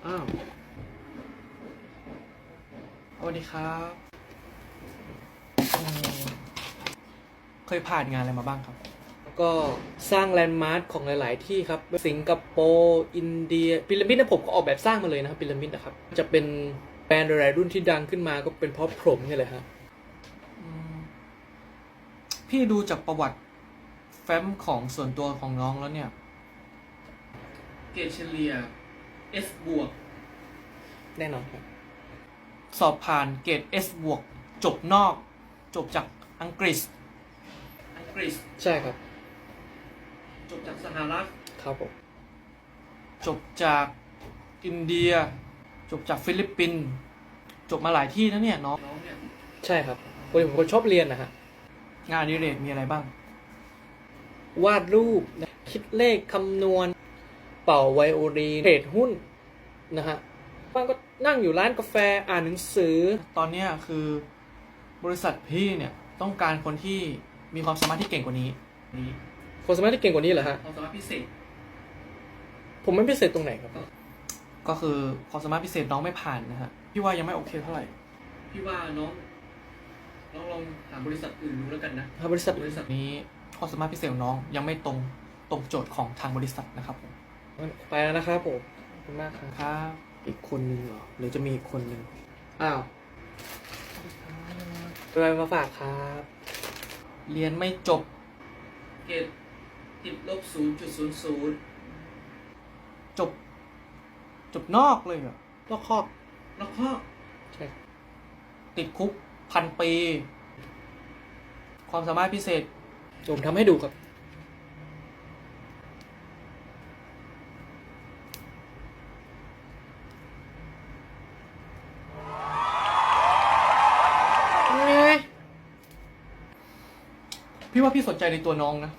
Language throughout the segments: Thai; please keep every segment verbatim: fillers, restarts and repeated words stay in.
อ้าวสวัสดีครับเคยผ่านงานอะไรมาบ้างครับก็สร้างแลนด์มาร์คของหลายๆที่ครับสิงคโปร์อินเดียพีระมิดนะผมก็ออกแบบสร้างมาเลยนะครับพีระมิดนะครับจะเป็นแบรนด์หลายรุ่นที่ดังขึ้นมาก็เป็นเพราะผมนี่แหละฮะพี่ดูจากประวัติแฟ้มของส่วนตัวของน้องแล้วเนี่ยเกรดเฉลี่ย S บวกแน่นอนครับสอบผ่านเกรด S บวกจบนอกจบจากอังกฤษอังกฤษใช่ครับจบจากสหรัฐครับผมจบจากอินเดียจบจากฟิลิปปินส์จบมาหลายที่นะเนี่ยน้องน้องเนี่ยใช่ครับผมเป็นคนชอบเรียนนะฮะงานอดิเรกมีอะไรบ้างวาดรูปคิดเลขคำนวณเป่าไวโอลินเทรดหุ้นนะฮะบางก็นั่งอยู่ร้านกาแฟอ่านหนังสือตอนนี้คือบริษัทพี่เนี่ยต้องการคนที่มีความสามารถที่เก่งกว่านี้ความสามารถที่เก่งกว่านี้เหรอฮะความสามารถพิเศษผมไม่พิเศษตรงไหนครับก็คือความสามารถพิเศษน้องไม่ผ่านนะฮะพี่ว่ายังไม่โอเคเท่าไหร่พี่ว่าน้องน้องลองหาบริษัทอื่นดูแล้วกันนะหาบริษัทบริษัทนี้ความสามารถพิเศษของน้องยังไม่ตรงตรงโจทย์ของทางบริษัทนะครับผมไปแล้วนะครับผมขอบคุณมากครับอีกคนนึงเหรอหรือจะมีอีกคนนึงอ้าวอะไรมาฝากครับเรียนไม่จบเกรดติดลบศูนย์จุดศูนย์ศูนย์จบจบนอกเลยเหรอนอกคอกนอกคอกใช่ติดคุกพันปีความสามารถพิเศษผมทำให้ดูครับพี่ว่าพี่สนใจในตัวน้องนะ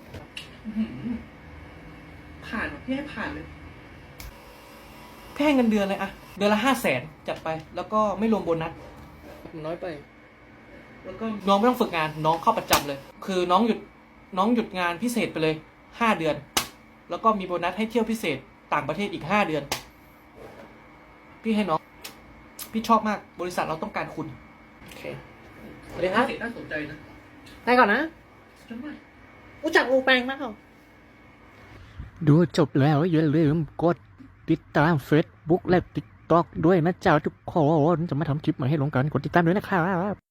ผ่านพี่ให้ผ่านเลยแค่เงินเดือนเลยอะเดือนละห้าแสนจัดไปแล้วก็ไม่รวมโบนัสน้อยไปแล้วก็น้องไม่ต้องฝึกงานน้องเข้าประจำเลยคือน้องหยุดน้องหยุดงานพิเศษไปเลยห้าเดือนแล้วก็มีโบนัสให้เที่ยวพิเศษต่างประเทศอีกห้าเดือนพี่ให้น้องพี่ชอบมากบริษัทเราต้องการคุณโอเคสวัสดีครับน่าสนใจนะไปก่อนนะรู้จักอูแปงมากเหรอดูจบแล้วอย่าลืมกดติดตาม Facebook และ TikTok ด้วยนะเจ้าทุกคนจะมาทำคลิปมาให้ลงกันกดติดตามด้วยนะครับ